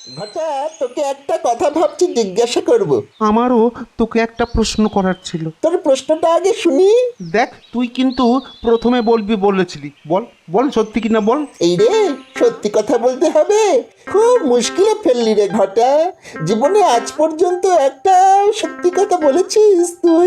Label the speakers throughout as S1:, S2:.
S1: ঘটা, তোকে একটা কথা ভাবছি জিজ্ঞাসা করব।
S2: আমারও তোকে একটা প্রশ্ন করার ছিল।
S1: তোর প্রশ্নটা আগে শুনি।
S2: দেখ, তুই কিন্তু প্রথমে বলবি বলেছিলি। বল বল, সত্যি কিনা বল।
S1: এই রে, সত্যি কথা বলতে হবে? খুব মুশকিলে ফেললি রে ঘটা। জীবনে আজ পর্যন্ত একটা সত্যি কথা বলেছিস তুই?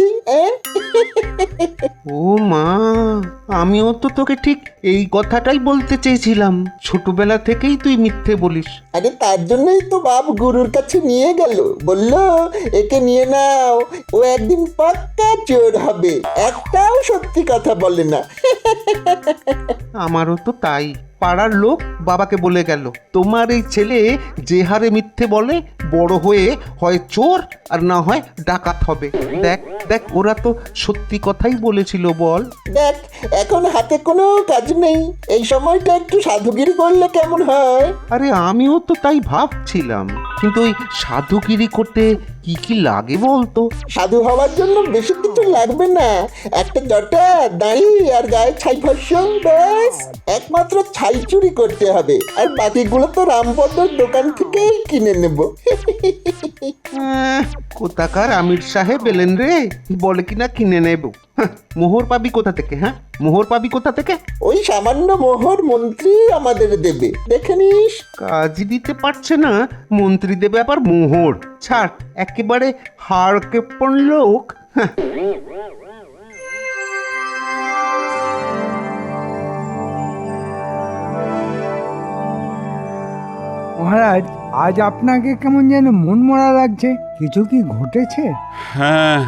S2: ও মা, আমিও তো তোকে ঠিক এই কথাটাই বলতে চেয়েছিলাম। ছোটবেলা থেকেই তুই মিথ্যে বলিস।
S1: আরে তার জন্যই তো বাপ গুরুর কাছে নিয়ে গেল, বললো একে নিয়ে নাও, ও একদিন পাক্কা চোর হবে, একটাও সত্যি কথা বলে না।
S2: আমারও তো তাই। পাড়ার লোক বাবাকে বলে গেল, তোমার এই ছেলে যে হারে মিথ্যে বলে, বড় হয়ে হয় চোর আর না হয় ডাকাত হবে। দেখ দেখ, ওরা তো সত্যি কথাই বলেছিল। বল।
S1: দেখ, এখন হাতে কোনো কাজ নেই, এই সময়টা একটু সাধুগিরি করলে কেমন হয়?
S2: আরে আমিও তো তাই ভাবছিলাম, কিন্তু ওই সাধুগিরি করতে কি কি লাগে বলতো?
S1: সাধু হওয়ার জন্য বেশি কিছু লাগবে না, একটা জটা, দাড়ি আর গায়ে ছাই ভস্য, ব্যাস। একমাত্র ছাই চুরি করতে হবে, আর বাকিগুলো তো রামপদর দোকান থেকেই কিনে নেব।
S2: কোথাকার আমির সাহেব এলেন রে, বলে কিনা কিনে নেব। মোহর পাবি কোথা থেকে? হ্যাঁ, মোহর পাবি কোথা থেকে?
S1: ওই সামান্য মোহর মন্ত্রী আমাদের দেবে, দেখে নিস।
S2: কাজই দিতে পারছে না, মন্ত্রী দেবে আবার মোহর? ছাড়, একেবারে হাড় কেপন লোক। হ্যাঁ।
S3: মহারাজ, আজ আপনাকে কেমন যেন মনমরা লাগছে। কিছু কি ঘটেছে?
S4: হ্যাঁ,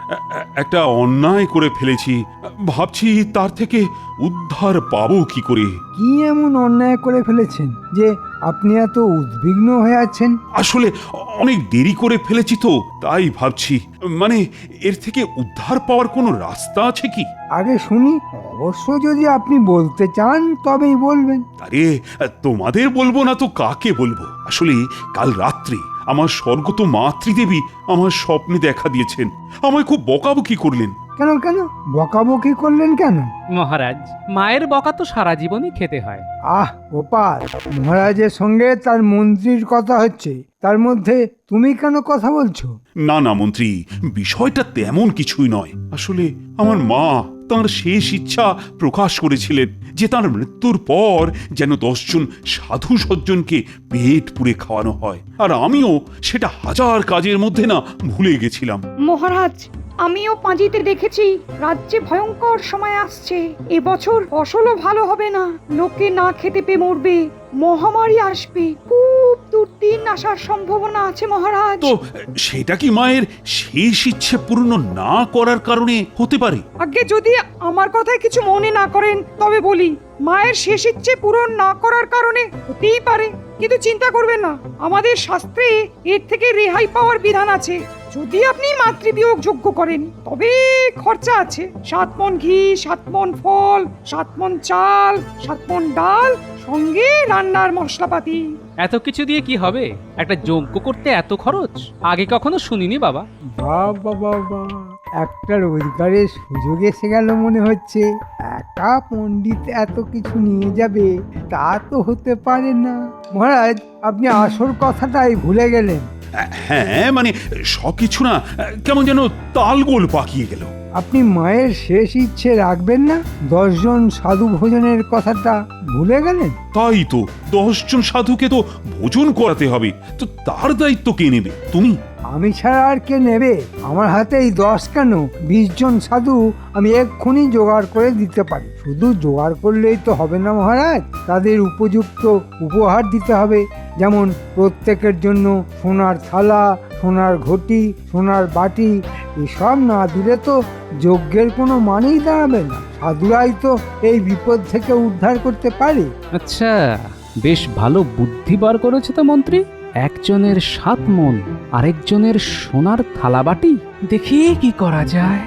S4: একটা অন্যায় করে ফেলেছি। ভাবছি তার থেকে উদ্ধার পাবো কি করে।
S3: কি এমন অন্যায় করে ফেলেছেন যে আপনি এত উদ্বিগ্ন হয়ে আছেন?
S4: আসলে অনেক দেরি করে ফেলেছি তো, তাই ভাবছি। মানে, এর থেকে উদ্ধার পাওয়ার কোনো রাস্তা আছে কি?
S3: আগে শুনি, অবশ্য যদি আপনি বলতে চান তবেই বলবেন।
S4: আরে, তোমাদের বলবো না তো কাকে বলবো? আসলে কাল রাত্রে আমার স্বর্গত মাতৃদেবী আমার স্বপ্নে দেখা দিয়েছেন। আমায় খুব বকাবকি করলেন।
S3: কেন কেন বকাবকি করলেন কেন?
S5: মহারাজ, মায়ের বকা তো সারা জীবনই খেতে হয়।
S3: আহ গোপাল, মহারাজের সঙ্গে তার মন্ত্রীর কথা হচ্ছে, তার মধ্যে তুমি কেন কথা বলছো?
S4: না না মন্ত্রী, বিষয়টা তেমন কিছুই নয়। আসলে আমার মা তাঁর শেষ ইচ্ছা প্রকাশ করেছিলেন যে তার মৃত্যুর পর যেন 10 জন সাধু সজ্জনকে পেট পুড়ে খাওয়ানো হয়, আর আমিও সেটা হাজার কাজের মধ্যে না ভুলে গেছিলাম।
S6: মহারাজ, আমিও পাঁজিতে দেখেছি রাজ্যে ভয়ঙ্কর সময় আসছে। এবছর ফসলও ভালো হবে না, লোকে না খেতে পেয়ে মরবে, মহামারী আসবে, খুব দুর্দিন আসার সম্ভাবনা আছে মহারাজ।
S4: তো সেটা কি মায়ের শেষ ইচ্ছে পূর্ণ না করার কারণে হতে পারে?
S6: আগে যদি আমার কথায় কিছু মনে না করেন তবে বলি, মায়ের শেষ ইচ্ছে পূরণ না করার কারণে হতেই পারে, কিন্তু চিন্তা করবেন না, আমাদের শাস্ত্রে এর থেকে রেহাই পাওয়ার বিধান আছে। যদি আপনি মাতৃবিয়োগ যোগ্য করেন তবে খরচা আছে। 7 মণ ঘি, 7 মণ ফল, 7 মণ চাল, 7 মণ ডাল, সঙ্গে রান্নার মশলাপাতি।
S5: এত কিছু দিয়ে কি হবে? একটা যজ্ঞ করতে এত খরচ আগে কখনো শুনিনি বাবা।
S3: বাবা বাবা, একটা রোজগারের সুযোগ এসে গেল মনে হচ্ছে। একা পণ্ডিত এত কিছু নিয়ে যাবে তা তো হতে পারে না। মহারাজ, আপনি আসল কথাটাই ভুলে গেলেন।
S4: হ্যাঁ, মানে সবকিছু না কেমন যেন তালগোল পাকিয়ে গেল।
S3: আপনি মায়ের শেষ ইচ্ছে রাখবেন না? 10 জন সাধু ভোজনের কথাটা ভুলে গেলেন?
S4: তাই তো, 10 জন সাধুকে তো ভোজন করাতে হবে, তো তার দায়িত্ব কে নেবে? তুমি?
S3: আমি ছাড়া আর কে নেবে? আমার হাতে এই 10 কেন, 20 জন সাধু আমি এক্ষুনি জোগাড় করে দিতে পারি। শুধু জোগাড় করলেই তো হবে না মহারাজ, তাদের উপযুক্ত উপহার দিতে হবে। যেমন প্রত্যেকের জন্য সোনার থালা, সোনার ঘটি, সোনার বাটি। এসব না দিলে তো যজ্ঞের কোনো মানেই দাঁড়াবে না। সাধুরাই তো এই বিপদ থেকে উদ্ধার করতে পারে।
S5: আচ্ছা, বেশ ভালো বুদ্ধি বার করেছে তো মন্ত্রী। একজনের 7 মণ, আরেকজনের সোনার থালাবাটি। দেখি কি করা যায়।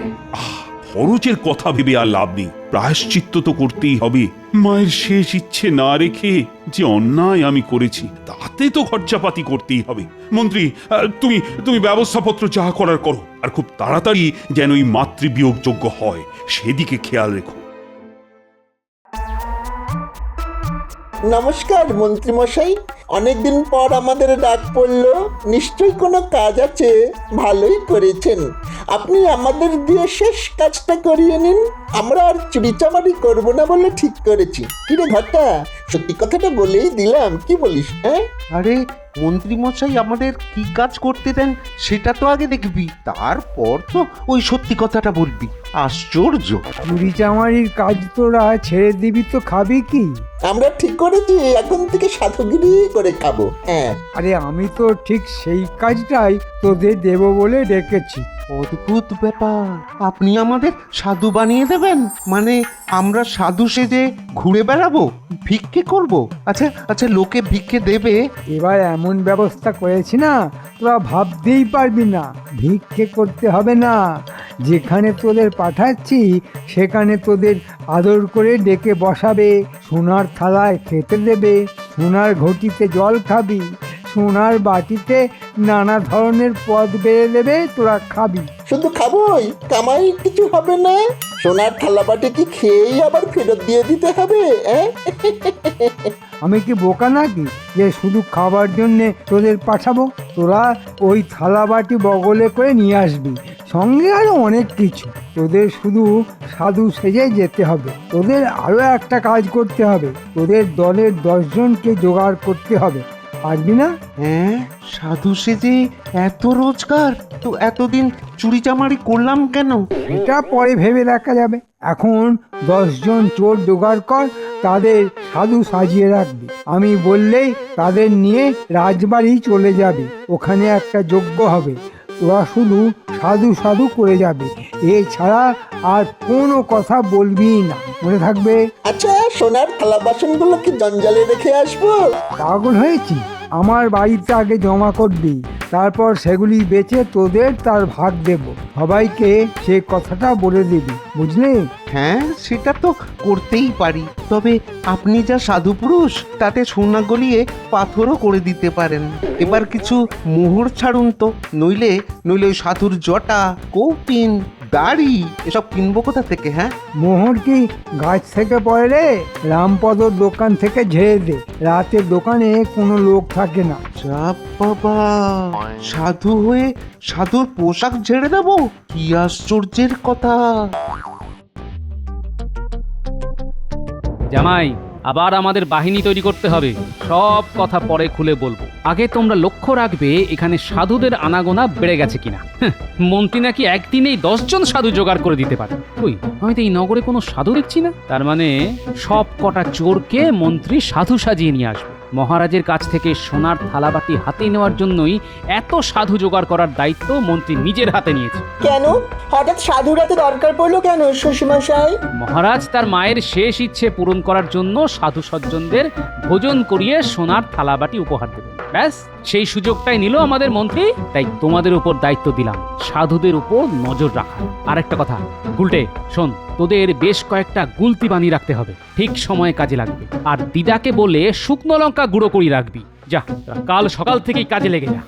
S4: খরচের কথা ভেবে আর লাভ নেই, প্রায়শ্চিত্ত তো করতেই হবে। মায়ের শেষ ইচ্ছে না রেখে যে অন্যায় আমি করেছি তাতে তো খরচাপাতি করতেই হবে। মন্ত্রী, তুমি তুমি ব্যবস্থাপত্র যা করার করো, আর খুব তাড়াতাড়ি যেন এই মাতৃবিয়োগ যোগ্য হয় সেদিকে খেয়াল রেখো।
S1: নমস্কার মন্ত্রী মশাই, অনেকদিন পর আমাদের ডাক পড়লো, নিশ্চয়ই কোনো কাজ আছে। ভালোই করেছেন, আপনি আমাদের দিয়ে শেষ কাজটা করিয়ে নিন। আমরা আর চুরিচামারি করবো না বলে ঠিক করেছি। কিরে ঘটা, সত্যি কথাটা বলেই দিলাম, কি বলিস? হ্যাঁ,
S2: আরে মন্ত্রী মশাই আমাদের কি কাজ করতে দেন সেটা তো আগে দেখবি, তারপর তো ওই সত্যি কথাটা বলবি। আশ্চর্য!
S3: চুরি চামারির কাজ তোরা ছেড়ে দিবি তো খাবি কি?
S1: আমরা ঠিক করেছি এখন থেকে সাধুগিরি করে খাবো। হ্যাঁ,
S3: আরে আমি তো ঠিক সেই কাজটাই তোদের দেব বলে ডেকেছি।
S2: অদ্ভুত ব্যাপার, আপনি আমাদের সাধু বানিয়ে দেবেন? মানে আমরা সাধু সেজে ঘুরে বেড়াবো, ভিক্ষে করব? আচ্ছা আচ্ছা, লোকে ভিক্ষে দেবে?
S3: এবার এমন ব্যবস্থা করেছি না, তোরা ভাবতেই পারবি না। ভিক্ষে করতে হবে না, যেখানে তোদের পাঠাচ্ছি সেখানে তোদের আদর করে ডেকে বসাবে, সোনার থালায় খেতে দেবে, সোনার ঘটিতে জল খাবি, সোনার বাটিতে নানা ধরনের পদ বেড়ে দেবে, তোরা খাবি।
S1: শুধু খাবোই, কামাই কিছু হবে না? সোনার থালাবাটি কি খেয়েই আবার ফেরত দিয়ে দিতে হবে?
S3: আমি কি বোকা নাকি যে শুধু খাবার জন্যে তোদের পাঠাবো? তোরা ওই থালা বাটি বগলে করে নিয়ে আসবি, সঙ্গে আরো অনেক কিছু। তোদের শুধু সাধু সেজে যেতে হবে। তোদের আরো একটা কাজ করতে হবে, তোদের দলের 10 জনকে জোগাড় করতে হবে। পারবি না?
S2: হ্যাঁ, সাধু সেজে এত রোজগার? তো এতদিন চুরি চামারি করলাম কেন?
S3: এটা পরে ভেবে দেখা যাবে। এখন 10 জন চোর জোগাড় কর, তাদের সাধু সাজিয়ে রাখবি। আমি বললেই তাদের নিয়ে রাজবাড়ি চলে যাবে, ওখানে একটা যজ্ঞ হবে। তোরা শুধু সাধু সাধু করে যাবে, এছাড়া আর কোনো কথা বলবি না, মনে থাকবে?
S1: আচ্ছা, সোনার থালা বাসনগুলো কি জঞ্জালে রেখে আসবো?
S3: পাগল হয়েছি? আমার বাড়িতে আগে জমা করবি, তারপর সেগুলি বেচে তোদের তার ভাগ দেব। সবাইকে সে কথাটা বলে দিবি, বুঝলি?
S2: হ্যাঁ, সেটা তো করতেই পারি, তবে আপনি যা সাধু পুরুষ, তাতে সোনা গলিয়ে পাথরও করে দিতে পারেন। এবার কিছু মোহর ছাড়ুন তো, নইলে নইলে ওই সাধুর জটা, কৌপিন, দাড়ি এসব কিনবো কোথা থেকে? হ্যাঁ,
S3: মোহর কি গাছ থেকে পড়ে রে? রামপদর দোকান থেকে ঝেড়ে দে, রাতে দোকানে কোনো লোক থাকে না।
S2: যা বাবা, সাধু হয়ে সাধুর পোশাক ঝেড়ে দেবো? কি আশ্চর্যের কথা!
S5: জামাই, আবার আমাদের বাহিনী তৈরি করতে হবে। সব কথা পরে খুলে বলবো, আগে তোমরা লক্ষ্য রাখবে এখানে সাধুদের আনাগোনা বেড়ে গেছে কিনা। মন্ত্রী নাকি একদিনেই 10 জন সাধু জোগাড় করে দিতে পারে। ওই, আমি তো এই নগরে কোনো সাধু দেখছি না। তার মানে সব কটা চোরকে মন্ত্রী সাধু সাজিয়ে নিয়ে আসবে। মহারাজের কাছ থেকে সোনার থালাবাটি হাতে নেওয়ার জন্যই এত সাধু জোগাড় করার দায়িত্ব মন্ত্রী নিজের হাতে নিয়েছে।
S7: কেন হঠাৎ সাধুরাতে দরকার পড়লো কেন শ্বশুরমশাই?
S5: মহারাজ তার মায়ের শেষ ইচ্ছে পূরণ করার জন্য সাধু সজ্জনদের ভোজন করিয়ে সোনার থালাবাটি উপহার দেবেন। ব্যাস, সেই সুযোগটাই নিল আমাদের মন্ত্রী। তাই তোমাদের উপর দায়িত্ব দিলাম সাধুদের উপর নজর রাখা। আর একটা কথা, গুলটে শোন, তোদের বেশ কয়েকটা গুলতি বানিয়ে রাখতে হবে, ঠিক সময়ে কাজে লাগবে। আর দিদাকে বলে শুকনো লঙ্কা গুঁড়ো করে রাখবি। যা, কাল সকাল থেকেই কাজে লেগে যা।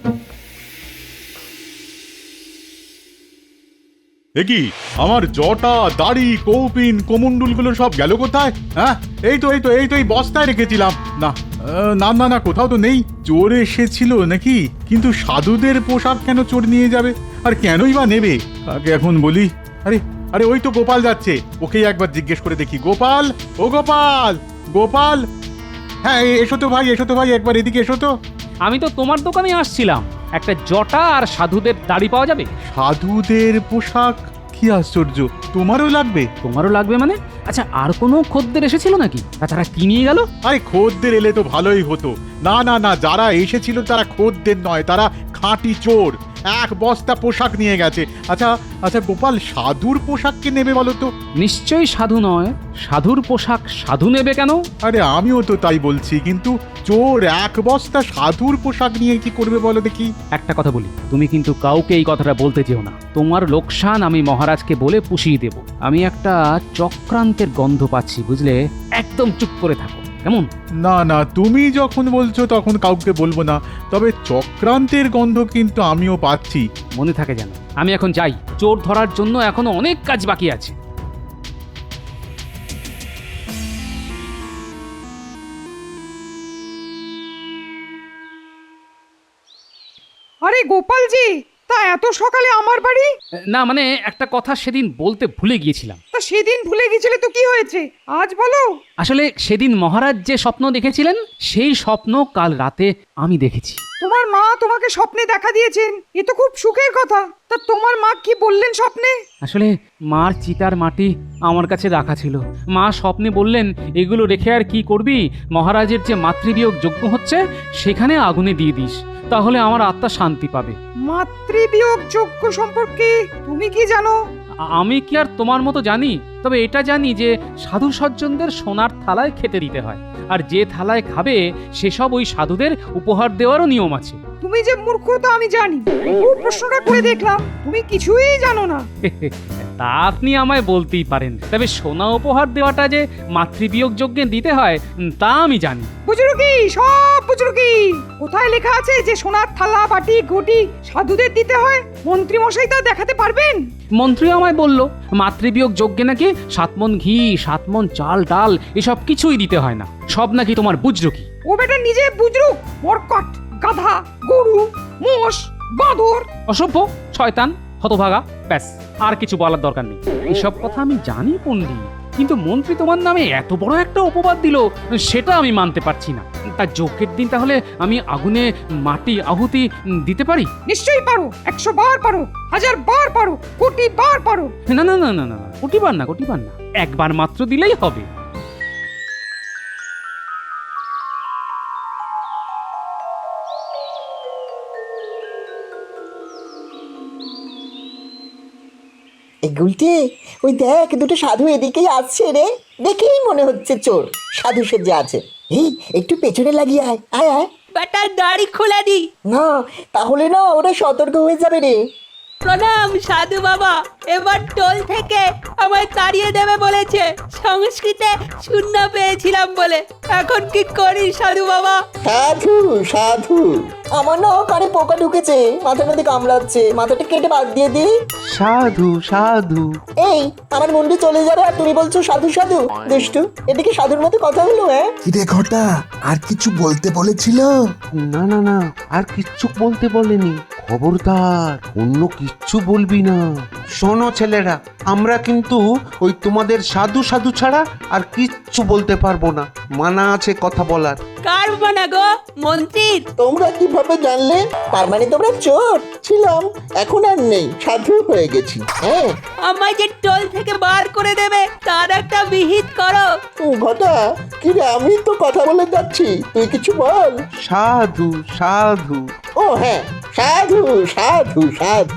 S8: কি আমার জটা, দাড়ি, কৌপিন, কোমণ্ডুলগুলো সব গেল কোথায়? হ্যাঁ, এই তো এই বস্তায় রেখেছিলাম। না না না না, কোথাও তো নেই। চোর এসেছিল নাকি? কিন্তু সাধুদের পোশাক কেন চোর নিয়ে যাবে? আর কেনই বা নেবে? আগে এখন বলি। আরে আরে, ওই তো গোপাল যাচ্ছে, ওকেই একবার জিজ্ঞেস করে দেখি। গোপাল, ও গোপাল, গোপাল! হ্যাঁ, এসো তো ভাই, একবার এদিকে এসো তো।
S5: আমি তো তোমার দোকানে আসছিলাম, একটা জটা আর সাধুদের দাড়ি পাওয়া যাবে?
S8: সাধুদের পোশাক? কি আশ্চর্য, তোমারও লাগবে?
S5: তোমারও লাগবে মানে? আচ্ছা, আর কোনো খদ্দের এসেছিল নাকি? তাছাড়া কি নিয়ে গেল?
S8: আরে খদ্দের এলে তো ভালোই হতো। না না না, যারা এসেছিল তারা খদ্দের নয়, তারা খাঁটি চোর। 1 বস্তা পোশাক নিয়ে গেছে। আচ্ছা আচ্ছা গোপাল, সাধুর পোশাক কে নেবে বলো তো?
S5: নিশ্চয়ই সাধু নয়। সাধুর পোশাক সাধু নেবে কেন?
S8: আরে আমিও তো তাই বলছি, কিন্তু চোর 1 বস্তা সাধুর পোশাক নিয়ে কি করবে বলো দেখি?
S5: একটা কথা বলি, তুমি কিন্তু কাউকে এই কথাটা বলতে যেও না। তোমার লোকসান আমি মহারাজকে বলে পুষিয়ে দেব। আমি একটা চক্রান্তের গন্ধ পাচ্ছি, বুঝলে? একদম চুপ করে থাকো, কেমন?
S8: না না, তুমি যখন বলছো তখন কাউকে বলবো না, তবে চক্রান্তের গন্ধ কিন্তু আমিও পাচ্ছি।
S5: মনে থাকে যেন। আমি এখন যাই, চোর ধরার জন্য এখনো অনেক কাজ বাকি আছে।
S6: আরে গোপালজি, তা এত সকালে আমার বাড়ি?
S5: না মানে একটা কথা সেদিন বলতে ভুলে গিয়েছিলাম।
S6: তা সেদিন ভুলে গেছিলে তো কি হয়েছে, আজ বলো।
S5: আসলে সেদিন মহারাজ যে স্বপ্ন দেখেছিলেন সেই স্বপ্ন কাল রাতে আমি দেখেছি।
S6: তোমার মা তোমাকে স্বপ্নে দেখা দিয়েছেন, এ তো খুব সুখের কথা। তা তোমার মা কি বললেন স্বপ্নে?
S5: আসলে মার চিতার মাটি আমার কাছে রাখা ছিল। মা স্বপ্নে বললেন, এগুলো রেখে আর কি করবি, মহারাজের যে মাতৃবিয়োগ যজ্ঞ হচ্ছে সেখানে আগুনে দিয়ে দিস, তাহলে আমার আত্মা শান্তি পাবে।
S6: মাতৃবিয়োগ যজ্ঞ সম্পর্কে তুমি কি জানো?
S5: আমি কি আর তোমার মতো জানি? তবে এটা জানি যে সাধু সজ্জনদের সোনার থালায় খেতে দিতে হয়, আর যে থালায় খাবে সেসব ওই সাধুদের উপহার দেওয়ারও নিয়ম আছে।
S6: তুমি যে মূর্খ তা আমি জানি, খুব প্রশ্নটা করে দেখলাম তুমি কিছুই জানো না।
S5: তা আপনি আমায় বলতেই পারেন, তবে সোনা উপহার দেওয়াটা যে মাতৃবিয়োগ যজ্ঞে দিতে হয় তা আমি জানি।
S6: বুঝরুকি, সব বুঝরুকি। কোথায় লেখা আছে যে সোনার থালা বাটি ঘটি সাধুদের দিতে হয়? মন্ত্রী মশাই তা দেখাতে পারবেন?
S5: মন্ত্রী আমায় বলল মাতৃবিয়োগ যজ্ঞে নাকি 7 মণ ঘি, 7 মণ চাল ডাল এসব কিছুই দিতে হয় না, সব নাকি তোমার বুঝরুকি।
S6: ও বেটা নিজে বুঝরুক, মরকট, গাধা, গরু, মোষ, বাঁদর।
S5: অসভ্য, শয়তান, হতভাগা, ব্যাস আর কিছু বলার দরকার নেই। এসব কথা আমি জানি পণ্ডিত, কিন্তু মন্ত্রী তোমার নামে এত বড় একটা অপবাদ দিল সেটা আমি মানতে পারছি না। তার যজ্ঞের দিন তাহলে আমি আগুনে মাটি আহুতি দিতে পারি?
S6: নিশ্চয়ই পারো, 100 বার পারো, 1000 বার পারো, কোটি বার পারো।
S5: না না না না না, কোটিবার না, কোটিবার না, একবার মাত্র দিলেই হবে।
S7: এই গুলটে, ওই দেখ দুটো সাধু এদিকেই আসছে রে, দেখেই মনে হচ্ছে চোর সাধু সেজে আছে। এই একটু পেছনে লাগিয়ে আয়, আয় আয়।
S9: বেটার দাড়ি খুলে দি।
S7: না, তাহলে না ওরা সতর্ক হয়ে যাবে রে।
S9: প্রণাম সাধু বাবা, এবার টোল থেকে আমায় তাড়িয়ে দেবে বলেছে, সংস্কৃতে শূন্য পেয়েছিলাম বলে। এখন কি করি সাধু বাবা?
S1: সাধু সাধু,
S7: আমার না কানে পোকা ঢুকেছে, মাথার মধ্যে কামড়াচ্ছে, মাথাটা কেটে বাদ দিয়ে দি।
S2: সাধু সাধু।
S7: এই আমার মুন্ডি চলে যাবে আর তুমি বলছো সাধু সাধু? দুষ্টু, এদিকে সাধুর মতো কথা হলো? হ্যাঁ
S1: কিরে ঘটা, আর কিছু বলতে বলেছিল?
S2: না না না, আর কিচ্ছু বলতে বলেনি। খবরদার অন্য কিচ্ছু বলবি না। শোনো ছেলেরা, আমরা কিন্তু ওই তোমাদের সাধু সাধু ছাড়া আর কিচ্ছু বলতে পারবো না, মানা আছে কথা বলার।
S9: কার বানা গো? মন্ত্রীর?
S1: তোমরা কিভাবে জানলে?
S7: তার মানে তোমরা চোর?
S1: ছিলাম, এখন আর নেই, সাধু হয়ে গেছি।
S7: হ্যাঁ
S9: আমায় যে টোল থেকে বার করে দেবে তার একটা বিহিত করো।
S1: ঘটা, কিরে আমি তো কথা বলে যাচ্ছি, তুই কিছু বল।
S2: সাধু সাধু।
S1: ও হ্যাঁ, সাধু সাধু সাধু।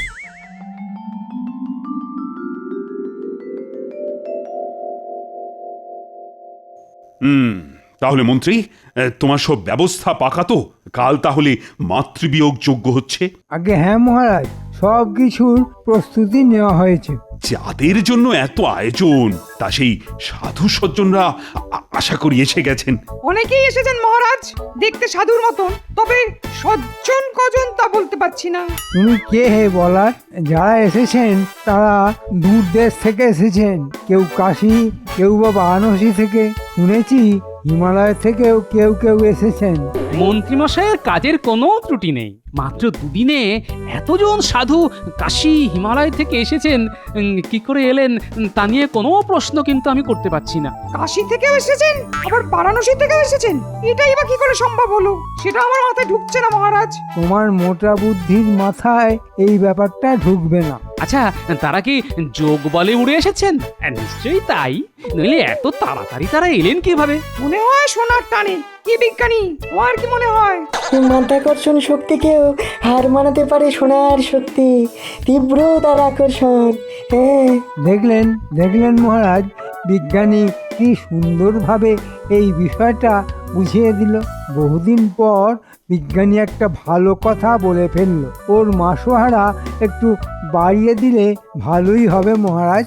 S4: তাহলে মন্ত্রী, তোমার সব ব্যবস্থা পাকা তো? কাল তাহলে মাতৃবিয়োগ যজ্ঞ হচ্ছে?
S3: আগে হ্যাঁ মহারাজ, সব কিছুর প্রস্তুতি নেওয়া হয়েছে।
S4: যাদের জন্য এত আয়োজন, তা সেই সাধু সজ্জনরা আশা করি এসে গেছেন।
S6: অনেকেই এসেছেন মহারাজ, দেখতে সাধুর মতন, তবে সজ্জন কজন তা বলতে পারছি না।
S3: তুমি কে হে বলার? যারা এসেছেন তারা দূর দেশ থেকে এসেছেন, কেউ কাশী, কেউ বা বারাণসী থেকে, শুনেছি হিমালয় থেকেও কেউ কেউ এসেছেন।
S5: মন্ত্রীমশাইয়ের কাজের কোনো ত্রুটি নেই। মাত্র দুদিনে এতজন সাধু কাশী হিমালয় থেকে এসেছেন, কি করে এলেন তা নিয়ে কোনো প্রশ্ন কিন্তু আমি করতে পারছি না।
S6: কাশী থেকেও এসেছেন, আবার বারাণসী থেকেও এসেছেন, এটাই বা কি করে সম্ভব হলো? সেটা আমার মাথায় ঢুকছে না মহারাজ।
S3: তোমার মোটা বুদ্ধির মাথায় এই ব্যাপারটা ঢুকবে না।
S5: আচ্ছা, তারা কি যোগ বলে উড়ে এসেছেন? নিশ্চয়ই তাই, নইলে এত তাড়াতাড়ি তারা এলেন কিভাবে?
S6: মনে হয় সোনার টানে। কি বিজ্ঞানী, তোমার কি মনে হয়?
S7: মাধ্যাকর্ষণ শক্তিকেও হার মানাতে পারে সোনার শক্তি, তীব্র তার আকর্ষণ। হ্যাঁ
S3: দেখলেন দেখলেন মহারাজ, বিজ্ঞানী কি সুন্দরভাবে এই বিষয়টা বুঝিয়ে দিল। বহুদিন পর বিজ্ঞানী একটা ভালো কথা বলে ফেলল। ওর মাসোহারা একটু বাড়িয়ে দিলে ভালোই হবে মহারাজ।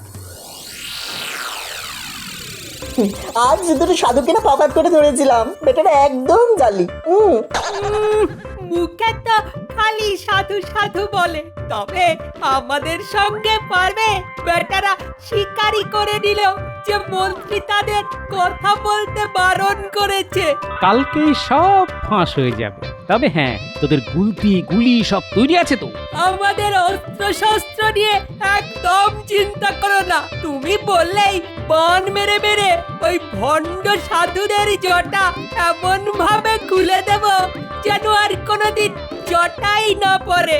S7: আজ দুটো সাধুকে না পাপাত করে ধরেছিলাম, বেটারা একদম জালি।
S9: মুখে তো খালি সাধু সাধু বলে, তবে আমাদের সঙ্গে পারবে? বেটারা শিকারি করে নিল, যে মন্ত্রী তাদের কথা বলতে বারণ করেছে।
S5: কালকেই সব ফাঁস হয়ে যাবে। তবে হ্যাঁ, তোদের গুলি সব তৈরি আছে তো?
S9: আমাদের অস্ত্র শস্ত্র নিয়ে একদম চিন্তা করো না। তুমি বললেই বান মেরে মেরে ওই ভণ্ড সাধুদের জটা এমন ভাবে খুলে দেব যেন আর কোনোদিন জটাই না পড়ে।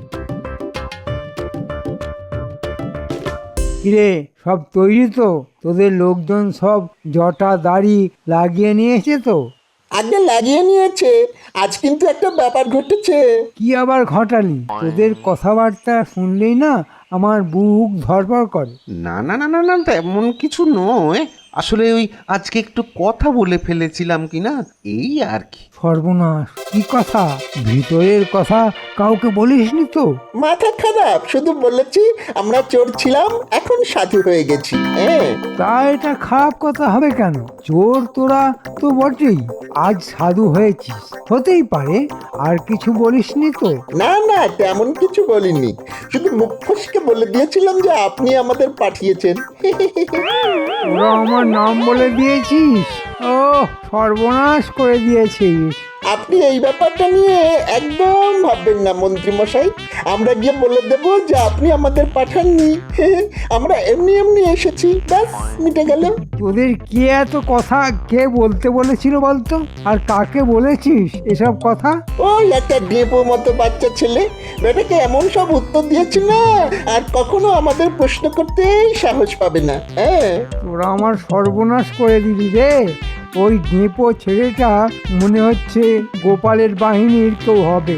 S3: কিরে, সব তৈরি তো? তোদের লোকজন সব জটা দাড়ি লাগিয়ে নিয়েছে তো?
S1: আগে লাগিয়ে নিয়েছে। আজ কিন্তু একটা ব্যাপার ঘটেছে।
S3: কি আবার ঘটালি? তোদের কথাবার্তা শুনলেই না আমার বুক ধড়ফড় করে।
S2: না না না না না, তেমন কিছু নয়। আসলে ওই আজকে একটু কথা বলে ফেলেছিলাম কি না, এই আর কি।
S3: সর্বনাশ! কি কথা? ভিতরের কথা কাউকে বলিসনি তো?
S1: মাথা খারাপ, শুধু বলেছি আমরা চোর ছিলাম, এখন সাধু হয়ে গেছি। হ্যাঁ,
S3: তা এটা খারাপ কথা হবে কেন? চোর তোরা তো বটেই, আজ সাধু হয়েছিস, হতেই পারে। আর কিছু বলিসনি তো?
S1: না না, তেমন কিছু বলিনি। শুধু মুখ ফসকে বলে দিয়েছিলাম যে আপনি আমাদের পাঠিয়েছেন।
S3: তোরা আমার নাম বলে দিয়েছিস? ও, সর্বনাশ করে দিয়েছিস।
S1: আপনি এই ব্যাপারটা নিয়ে একদম ভাববেন না মন্ত্রী মশাই। আমরা গিয়ে বলে দেব যে আপনি আমাদের পাঠাননি, আমরা এমনি এমনি এসেছি, ব্যাস মিটে গেল।
S3: তোদের কে এত কথা কে বলতে বলেছিল বলতো? আর কাকে বলেছিস এসব কথা?
S1: ওই একটা ডেপো মতো বাচ্চা ছেলে, বেটাকে এমন সব উত্তর দিয়েছে না আর কখনো আমাদের প্রশ্ন করতেই সাহস পাবে না। হ্যাঁ,
S3: তোরা আমার সর্বনাশ করে দিলি রে। ওই ডেপো ছেলেটা মনে হচ্ছে গোপালের বাহিনীর কেউ হবে।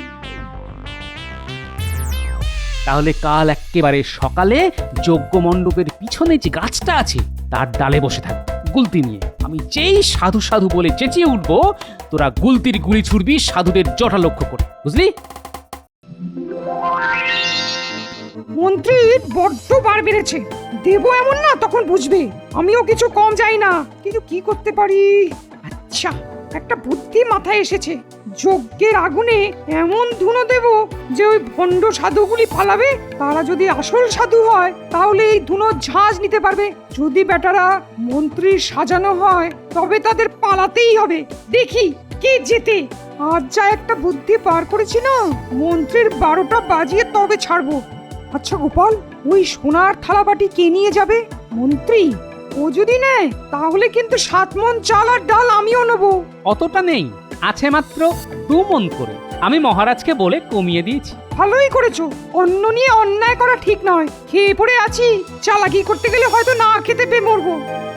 S5: তাহলে কাল একেবারে সকালে যজ্ঞ মণ্ডপের পিছনে যে গাছটা আছে তার ডালে বসে থাক গুলতি নিয়ে। আমি যেই সাধু সাধু বলে চেঁচিয়ে উঠবো, তোরা গুলতির গুলি ছুড়বি সাধুদের জটা লক্ষ্য করে, বুঝলি?
S6: মন্ত্রীর বড্ড বার বেড়েছে। দেবো এমন না, তখন বুঝবে। আমিও কিছু কম যাই না, কিন্তু কি করতে পারি? আচ্ছা, একটা বুদ্ধি মাথায় এসেছে। যজ্ঞের আগুনে এমন ধুনো দেব যে ওই ভণ্ড সাধুগুলি পালাবে। তারা যদি আসল সাধু হয় তাহলে এই ধুনো ঝাঁজ নিতে পারবে। যদি বেটারা মন্ত্রীর সাজানো হয় তবে তাদের পালাতেই হবে। দেখি কে জেতে। আজ যা একটা বুদ্ধি পার করেছি না, মন্ত্রীর 12টা বাজিয়ে তবে ছাড়বো। আচ্ছা গোপাল, ওই সোনার থালাবাটি কে নিয়ে যাবে? মন্ত্রী। ও যদি নেয় তাহলে কিন্তু 7 মণ চাল আর ডাল আমিও নেবো।
S5: অতটা নেই, আছে মাত্র 2 মণ করে। আমি মহারাজকে বলে কমিয়ে দিয়েছি।
S6: ভালোই করেছো। অন্ন নিয়ে অন্যায় করা ঠিক নয়। খেয়ে পড়ে আছি, চালাকি করতে গেলে হয়তো না খেতে পেয়ে মরবো।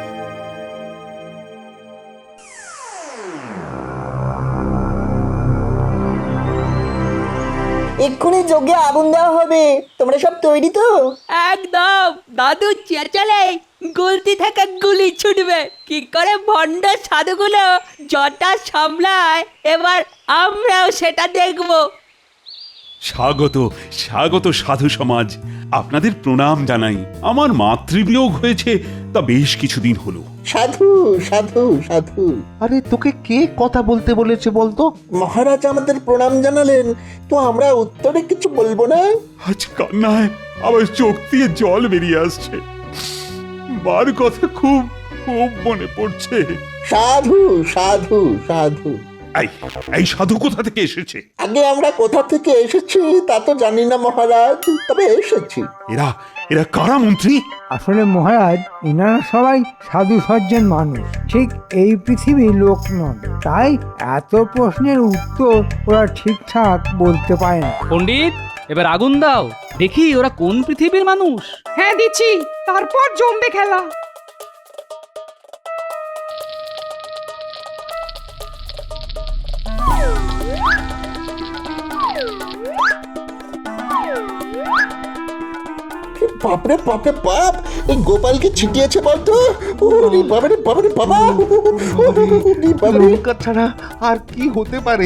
S7: এক্ষুনি যজ্ঞে আগুন দেওয়া হবে, তোমরা সব তৈরি তো?
S9: একদম। দাদু চেঁচালে গুলতি থেকে গুলি ছুটবে। কি করে ভণ্ড সাধুগুলো জটা সামলায় এবার আমরাও সেটা দেখবো।
S4: স্বাগত স্বাগত সাধু সমাজ, আপনাদের প্রণাম জানাই। আমার মাতৃবিয়োগ হয়েছে তা বেশ কিছুদিন হলো।
S1: সাধু সাধু সাধু।
S2: আরে তোকে কে কথা বলতে বলেছে বলতো?
S1: মহারাজ আমাদের প্রণাম জানালেন, তো আমরা উত্তরে কিছু বলবো না?
S4: আজ কান্নায় আবার চোখ দিয়ে জল বেরিয়ে আসছে। মার কথা খুব খুব মনে পড়ছে।
S1: সাধু সাধু সাধু।
S4: এই এই সাধু কোথা থেকে এসেছে?
S1: আগে আমরা কোথা থেকে এসেছি তা তো জানি না মহারাজ, তবে এসেছি।
S4: এরা এরা কারা মন্ত্রী?
S3: আসলে মহারাজ, এনারা সবাই সাধু সজ্জন মানুষ, ঠিক এই পৃথিবীর লোক নন। তাই এত প্রশ্নের উত্তর ওরা ঠিকঠাক বলতে পারে না।
S5: পণ্ডিত, এবার আগুন দাও, দেখি ওরা কোন পৃথিবীর মানুষ।
S6: হ্যাঁ দিচ্ছি, তারপর জমবে খেলা।
S1: বাপরে বাপরে বাপ, এই গোপালকে ছিটিয়েছে বলতো। ওরে বাবারে বাবারে বাবা, ওরে বাবারে।
S2: লঙ্কা ছাড়া আর কি হতে পারে?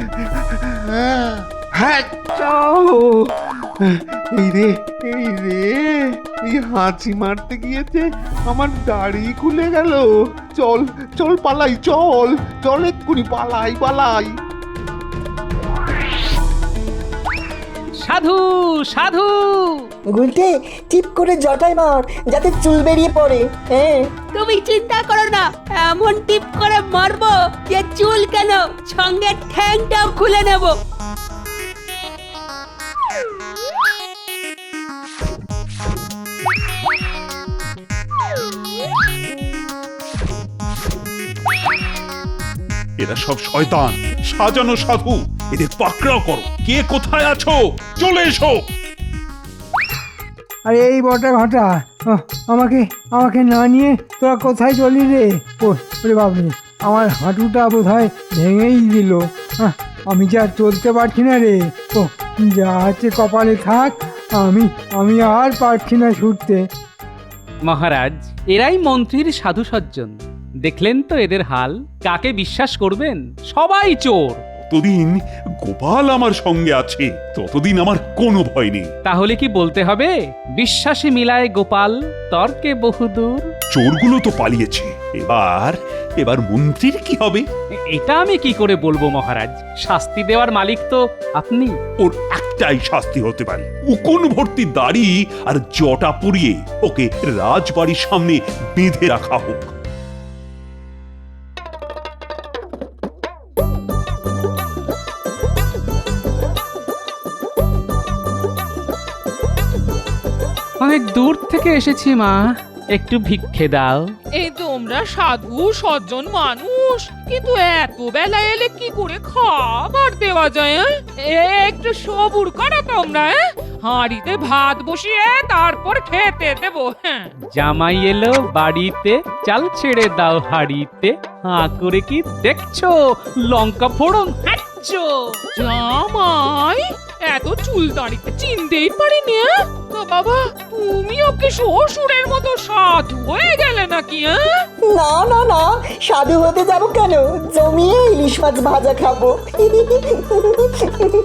S2: হ্যাঁ, চাও। এই রে এই রে, এই হাঁচি মারতে গিয়েছে আমার দাড়ি খুলে গেল। চল চল পালাই, চল চল এক্ষুনি পালাই পালাই।
S5: সাধু সাধু।
S7: গুলটে টিপ করে জটায় মার যাতে চুল বেরিয়ে পড়ে। হ্যাঁ
S9: তুমি চিন্তা করো না, এমন টিপ করে মারবো যে চুল কেন সঙ্গে ঠ্যাংটাও খুলে নেব।
S4: এরা সব শয়তান সাজানো সাধু, এদের পাকড়াও করো। কে কোথায় আছো চলে এসো।
S3: আরে এই বটা ঘটা, আমাকে আমাকে না নিয়ে তোরা কোথায় চলি রে? ওরে বাবরে, আমার হাঁটুটা বোধ হয় ভেঙেই দিল। আমি যা চলতে পারছি না রে। ও যা আছে কপালে থাক, আমি আর পারছি না ছুটতে।
S5: মহারাজ, এরাই মন্ত্রীর সাধু সজ্জন। দেখলেন তো এদের হাল। কাকে বিশ্বাস করবেন? সবাই চোর।
S4: যতদিন গোপাল আমার সঙ্গে আছে ততদিন আমার কোনো ভয় নেই।
S5: তাহলে কি বলতে হবে বিশ্বাসে মিলায় গোপাল, তর্কে বহুদূর?
S4: চোরগুলো তো পালিয়েছে, এবার মন্ত্রীর কি হবে?
S5: এটা আমি কি করে বলবো মহারাজ? শাস্তি দেওয়ার মালিক তো আপনি।
S4: ওর একটাই শাস্তি হতে পারে, উকুন ভর্তি দাড়ি আর জটা পুড়িয়ে ওকে রাজবাড়ির সামনে বেঁধে রাখা হোক।
S5: অনেক দূর থেকে এসেছি মা, একটু ভিক্ষে দাও।
S10: এই তোমরা সাধু সজ্জন মানুষ, কিন্তু এত বেলা এলে কি করে খাবার দেওয়া যায়? একটু সবুর করো তোমরা। হাঁড়িতে ভাত বসিয়ে তারপর খেতে দেবো। হ্যাঁ,
S5: জামাই এলো বাড়িতে, চাল ছেড়ে দাও হাড়িতে। হাঁ করে কি দেখছো? লঙ্কা ফোড়ন খাচ্ছো?
S10: জামাই এত চুল দাঁড়িতে চিনতেই পারিনি। তো বাবা, তুমি ওকে শ্বশুরের মতো সাধু হয়ে গেলে নাকি?
S7: না না না, সাধু হতে যাবো কেন? জমিয়ে ইলিশ মাছ ভাজা খাবো।